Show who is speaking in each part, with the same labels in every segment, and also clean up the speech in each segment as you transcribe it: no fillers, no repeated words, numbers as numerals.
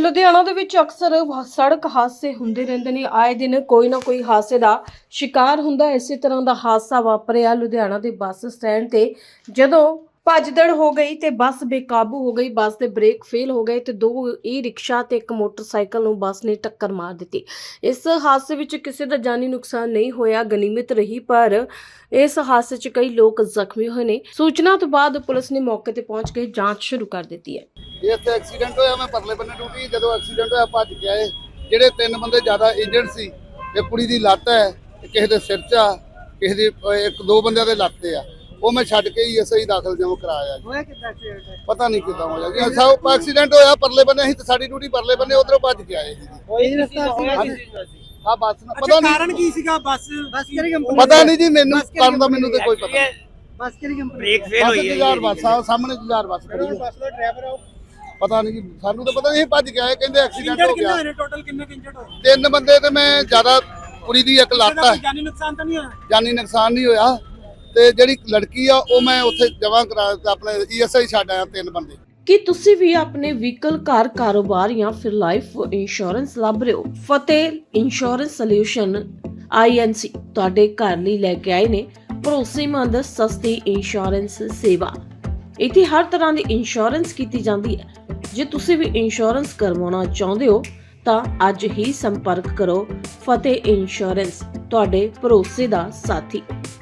Speaker 1: ਲੁਧਿਆਣਾ ਦੇ ਵਿੱਚ ਅਕਸਰ ਸੜਕ ਹਾਦਸੇ ਹੁੰਦੇ ਰਹਿੰਦੇ ਨੇ। ਆਏ ਦਿਨ ਕੋਈ ਨਾ ਕੋਈ ਹਾਦਸੇ ਦਾ ਸ਼ਿਕਾਰ ਹੁੰਦਾ। ਇਸੇ ਤਰ੍ਹਾਂ ਦਾ ਹਾਦਸਾ ਵਾਪਰਿਆ ਲੁਧਿਆਣਾ ਦੇ ਬੱਸ ਸਟੈਂਡ ਤੇ, ਜਦੋਂ ਭੱਜਦੜ ਹੋ ਗਈ ਤੇ ਬੱਸ ਬੇਕਾਬੂ ਹੋ ਗਈ। ਬੱਸ ਦੇ ਬ੍ਰੇਕ ਫੇਲ ਹੋ ਗਏ ਤੇ ਦੋ ਈ-ਰਿਕਸ਼ਾ ਤੇ ਇੱਕ ਮੋਟਰਸਾਈਕਲ ਨੂੰ ਬੱਸ ਨੇ ਟੱਕਰ ਮਾਰ ਦਿੱਤੀ। ਇਸ ਹਾਦਸੇ ਵਿੱਚ ਕਿਸੇ ਦਾ ਜਾਨੀ ਨੁਕਸਾਨ ਨਹੀਂ ਹੋਇਆ, ਗਨੀਮਤ ਰਹੀ, ਪਰ ਇਸ ਹਾਦਸੇ 'ਚ ਕਈ ਲੋਕ ਜ਼ਖਮੀ ਹੋਏ ਨੇ। ਸੂਚਨਾ ਤੋਂ ਬਾਅਦ ਪੁਲਿਸ ਨੇ ਮੌਕੇ ਤੇ ਪਹੁੰਚ ਕੇ ਜਾਂਚ ਸ਼ੁਰੂ ਕਰ ਦਿੱਤੀ ਹੈ।
Speaker 2: ਇੱਥੇ ਐਕਸੀਡੈਂਟ ਹੋਇਆ, ਮੈਂ ਪਰਲੇ ਬੰਨੇ ਡਿਊਟੀ, ਜਦੋਂ ਐਕਸੀਡੈਂਟ ਹੋਇਆ ਭੱਜ ਕੇ ਆਏ। ਜਿਹੜੇ ਤਿੰਨ ਬੰਦੇ ਜ਼ਿਆਦਾ ਇੰਜਰਡ ਸੀ, ਇੱਕ ਕੁੜੀ ਦੀ ਲੱਤ ਹੈ, ਕਿਸੇ ਦੇ ਸਿਰ 'ਚ ਆ, ਕਿਸੇ ਦੀ ਇੱਕ ਦੋ ਬੰਦਿਆਂ ਦੇ ਲੱਤ ਤੇ ਆ, ਉਹ ਮੈਂ ਛੱਡ ਕੇ ਹੀ ਐਸਆਈ ਦਾਖਲ ਜਮ ਕਰਾਇਆ ਜੀ।
Speaker 3: ਹੋਇਆ ਕਿੱਦਾਂ ਐਕਸੀਡੈਂਟ?
Speaker 2: ਪਤਾ ਨਹੀਂ ਕਿੱਦਾਂ ਹੋਇਆ ਜੀ। ਸਭ ਐਕਸੀਡੈਂਟ ਹੋਇਆ ਪਰਲੇ ਬੰਨੇ, ਅਸੀਂ ਤੇ ਸਾਡੀ ਡਿਊਟੀ ਪਰਲੇ ਬੰਨੇ, ਉਧਰੋਂ ਭੱਜ ਕੇ ਆਏ ਜੀ।
Speaker 3: ਕੋਈ ਰਸਤਾ ਸੀ?
Speaker 2: ਆ ਬੱਸ ਪਤਾ ਨਹੀਂ
Speaker 3: ਕਾਰਨ ਕੀ ਸੀਗਾ? ਬੱਸ ਕਿਹੜੀ ਕੰਪਨੀ?
Speaker 2: ਪਤਾ ਨਹੀਂ ਜੀ, ਮੈਨੂੰ ਕਾਰਨ ਦਾ ਮੈਨੂੰ ਤੇ ਕੋਈ ਪਤਾ ਨਹੀਂ।
Speaker 3: ਬੱਸ ਕਿਹੜੀ ਕੰਪਨੀ?
Speaker 4: ਬ੍ਰੇਕ ਫੇਲ ਹੋਈ ਹੈ
Speaker 2: ਜੁਝਾਰ ਬੱਸ ਆ, ਸਾਹਮਣੇ ਜੁਝਾਰ ਬੱਸ ਖੜੀ ਹੈ।
Speaker 3: ਬੱਸ ਦਾ ਡਰਾਈਵਰ ਆ ਉਹ।
Speaker 2: ਪਤਾ ਨਹੀਂ ਜੀ, ਸਾਨੂੰ ਤਾਂ ਪਤਾ ਨਹੀਂ, ਭੱਜ ਕੇ ਆਏ, ਕਹਿੰਦੇ ਐਕਸੀਡੈਂਟ ਹੋ ਗਿਆ।
Speaker 3: ਟੋਟਲ ਕਿੰਨੇ ਇੰਜਰਡ ਹੋਏ?
Speaker 2: ਤਿੰਨ ਬੰਦੇ ਤੇ ਮੈਂ ਜ਼ਿਆਦਾ, ਕੁੜੀ ਦੀ ਇੱਕ ਲੱਤ ਆ,
Speaker 3: ਜਾਨੀ ਨੁਕਸਾਨ ਤਾਂ ਨਹੀਂ ਹੋਇਆ?
Speaker 2: ਜਾਨੀ ਨੁਕਸਾਨ ਨਹੀਂ ਹੋਇਆ। ਤੇ ਜਿਹੜੀ ਲੜਕੀ ਆ ਉਹ ਮੈਂ ਉੱਥੇ ਜਮ੍ਹਾਂ ਕਰਾ ਦਿੱਤਾ, ਆਪਣੇ ਈਐਸਆਈ ਛੱਡ ਆਇਆ ਤਿੰਨ ਬੰਦੇ।
Speaker 1: ਕੀ ਤੁਸੀਂ ਵੀ ਆਪਣੇ ਵਹੀਕਲ, ਘਰ, ਕਾਰੋਬਾਰ ਜਾਂ ਫਿਰ ਲਾਈਫ ਇੰਸ਼ੋਰੈਂਸ ਲੱਭ ਰਹੇ ਹੋ? ਫਤਿਹ ਇੰਸ਼ੋਰੈਂਸ ਸੋਲਿਊਸ਼ਨ INC ਤੁਹਾਡੇ ਘਰ ਲਈ ਲੈ ਕੇ ਆਏ ਨੇ ਭਰੋਸੇਮੰਦ ਸਸਤੀ ਇੰਸ਼ੋਰੈਂਸ ਸੇਵਾ। ਇੱਥੇ ਹਰ ਤਰ੍ਹਾਂ ਦੀ ਇੰਸ਼ੋਰੈਂਸ ਕੀਤੀ ਜਾਂਦੀ ਹੈ। ਜੇ ਤੁਸੀਂ ਵੀ ਇੰਸ਼ੋਰੈਂਸ ਕਰਵਾਉਣਾ ਚਾਹੁੰਦੇ ਹੋ ਤਾਂ ਅੱਜ ਹੀ ਸੰਪਰਕ ਕਰੋ। ਫਤਿਹ ਇੰਸ਼ੋਰੈਂਸ, ਤੁਹਾਡੇ ਭਰੋਸੇ ਦਾ ਸਾਥੀ।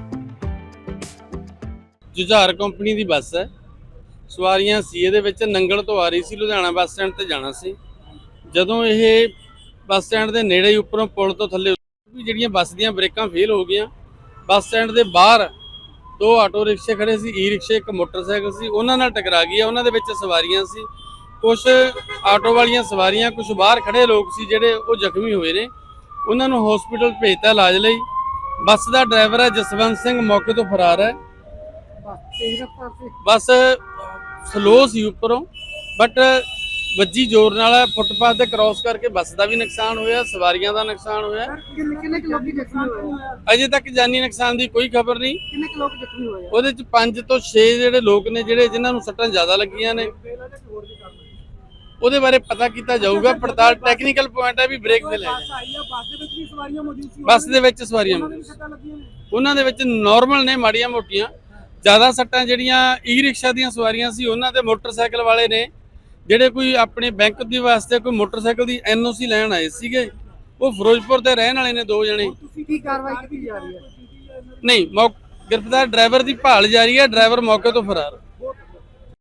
Speaker 4: ਜੁਝਾਰ ਕੰਪਨੀ ਦੀ ਬੱਸ ਹੈ। ਸਵਾਰੀਆਂ ਸੀ ਇਹਦੇ ਵਿੱਚ, ਨੰਗਲ ਤੋਂ ਆ ਰਹੀ ਸੀ, ਲੁਧਿਆਣਾ ਬੱਸ ਸਟੈਂਡ ਤੇ ਜਾਣਾ ਸੀ। ਜਦੋਂ ਇਹ ਬੱਸ ਸਟੈਂਡ ਦੇ ਨੇੜੇ ਹੀ ਉੱਪਰੋਂ ਪੁਲ ਤੋਂ ਥੱਲੇ ਜਿਹੜੀਆਂ ਬੱਸ ਦੀਆਂ ਬ੍ਰੇਕਾਂ ਫੇਲ ਹੋ ਗਈਆਂ। ਬੱਸ ਸਟੈਂਡ ਦੇ ਬਾਹਰ ਦੋ ਆਟੋ ਰਿਕਸ਼ੇ ਖੜੇ ਸੀ, ਈ-ਰਿਕਸ਼ੇ, ਇੱਕ ਮੋਟਰਸਾਈਕਲ ਸੀ, ਉਹਨਾਂ ਨਾਲ ਟਕਰਾ ਗਈ। ਉਹਨਾਂ ਦੇ ਵਿੱਚ ਸਵਾਰੀਆਂ ਸੀ, ਕੁਝ ਆਟੋ ਵਾਲੀਆਂ ਸਵਾਰੀਆਂ, ਕੁਝ ਬਾਹਰ ਖੜੇ ਲੋਕ ਸੀ ਜਿਹੜੇ ਉਹ ਜ਼ਖਮੀ ਹੋਏ ਨੇ। ਉਹਨਾਂ ਨੂੰ ਹਸਪੀਟਲ ਭੇਜਤਾ ਇਲਾਜ ਲਈ। ਬੱਸ ਦਾ ਡਰਾਈਵਰ ਹੈ ਜਸਵੰਤ ਸਿੰਘ, ਮੌਕੇ ਤੋਂ ਫਰਾਰ ਹੈ। ਬੱਸ ਸਲੋ ਸੀ ਉੱਪਰੋਂ, ਬਟ ਵੱਜੀ ਜ਼ੋਰ ਨਾਲ। ਫੁੱਟਪਾਥ ਤੇ ਕ੍ਰਾਸ ਕਰਕੇ ਬੱਸ ਦਾ ਵੀ ਨੁਕਸਾਨ ਹੋਇਆ, ਸਵਾਰੀਆਂ ਦਾ ਨੁਕਸਾਨ ਹੋਇਆ।
Speaker 3: ਕਿੰਨੇ ਲੋਕੀ ਜ਼ਖਮੀ ਹੋਏ?
Speaker 4: ਅਜੇ ਤੱਕ ਜਾਨੀ ਨੁਕਸਾਨ ਦੀ ਕੋਈ ਖਬਰ ਨਹੀਂ।
Speaker 3: ਕਿੰਨੇ ਲੋਕ ਜ਼ਖਮੀ ਹੋਏ?
Speaker 4: ਉਹਦੇ ਚ 5 ਤੋਂ 6 ਜਿਹੜੇ ਲੋਕ ਨੇ ਜਿਨ੍ਹਾਂ ਨੂੰ ਸੱਟਾਂ ਜ਼ਿਆਦਾ ਲੱਗੀਆਂ ਨੇ, ਉਹਦੇ ਬਾਰੇ ਪਤਾ ਕੀਤਾ ਜਾਊਗਾ। ਪੜਤਾਲ ਟੈਕਨੀਕਲ ਪੁਆਇੰਟ ਹੈ ਵੀ ਬ੍ਰੇਕ ਫੇਲ ਹੈ।
Speaker 3: ਬੱਸ ਦੇ ਵਿੱਚ ਵੀ ਸਵਾਰੀਆਂ ਮੌਜੂਦ ਸੀ?
Speaker 4: ਬੱਸ ਦੇ ਵਿੱਚ ਸਵਾਰੀਆਂ ਉਹਨਾਂ ਦੇ ਵਿੱਚ ਨਾਰਮਲ ਨੇ, ਮਾੜੀਆਂ ਮੋਟੀਆਂ। ਜ਼ਿਆਦਾ ਸੱਟਾਂ ਜਿਹੜੀਆਂ ਈ-ਰਿਕਸ਼ਾ ਦੀਆਂ ਸਵਾਰੀਆਂ ਸੀ ਉਹਨਾਂ ਦੇ, ਮੋਟਰਸਾਈਕਲ ਵਾਲੇ ਨੇ ਜਿਹੜੇ ਕੋਈ ਆਪਣੇ ਬੈਂਕ ਦੀ ਵਾਸਤੇ ਕੋਈ ਮੋਟਰਸਾਈਕਲ ਦੀ NOC ਲੈਣ ਆਏ ਸੀਗੇ। ਉਹ ਫਿਰੋਜ਼ਪੁਰ ਦੇ ਰਹਿਣ ਵਾਲੇ ਨੇ, ਦੋ ਜਣੇ।
Speaker 3: ਤੁਸੀਂ ਕੀ ਕਾਰਵਾਈ ਕੀਤੀ ਜਾ ਰਹੀ ਹੈ?
Speaker 4: ਨਹੀਂ, ਗ੍ਰਿਫਤਾਰ ਡਰਾਈਵਰ ਦੀ ਭਾਲ ਜਾਰੀ ਹੈ। ਡਰਾਈਵਰ ਮੌਕੇ ਤੋਂ ਫਰਾਰ।